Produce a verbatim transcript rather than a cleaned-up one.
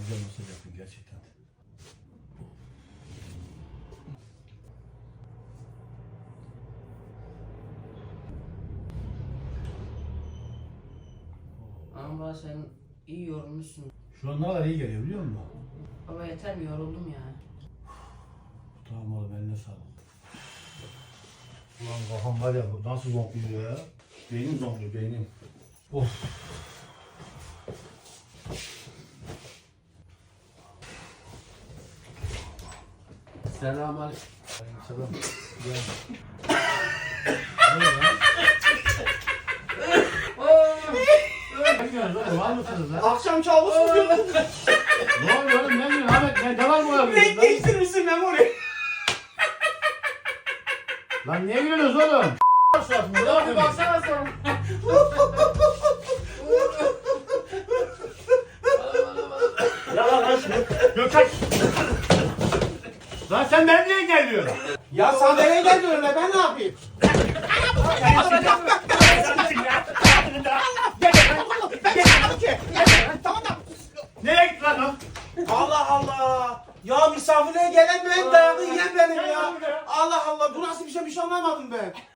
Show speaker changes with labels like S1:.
S1: güzel masaj yaptın gerçekten.
S2: Ama baba sen iyi yorulmuşsun.
S1: Şu an ne kadar iyi geliyor biliyor musun?
S2: Baba yeter mi, yoruldum ya.
S1: Tamam oğlum eline sağlık. Ulan kafam var ya bu nasıl zonkluyor ya? Beynim zonkluyor beynim. Of. Selamünaleyküm. Selam. Gel. Ne ya? Ne diyorsunuz oğlum? Var mısınız lan?
S3: Akşam kabus mu gördün?
S1: Ne oluyor oğlum? Ne diyorsun Ahmet? Ne, ne var mı
S3: Renk
S1: yapıyorsun?
S3: değiştirmişsin Memoli.
S1: Lan niye gülüyorsunuz oğlum? Suratını ne yapıyorsun?
S3: Baksana sen.
S1: Ya lan lan şunu. Gökhan. Lan sen benimle niye geliyorsun?
S3: Ya sen nereye geldin öyle, ben ne yapayım?
S1: Nereye gitti lan o?
S3: Allah Allah. Ya misafirliğe gelen ben, dayağı yiyen benim ya. Allah Allah, bu nasıl bir şey, bir şey anlamadım ben.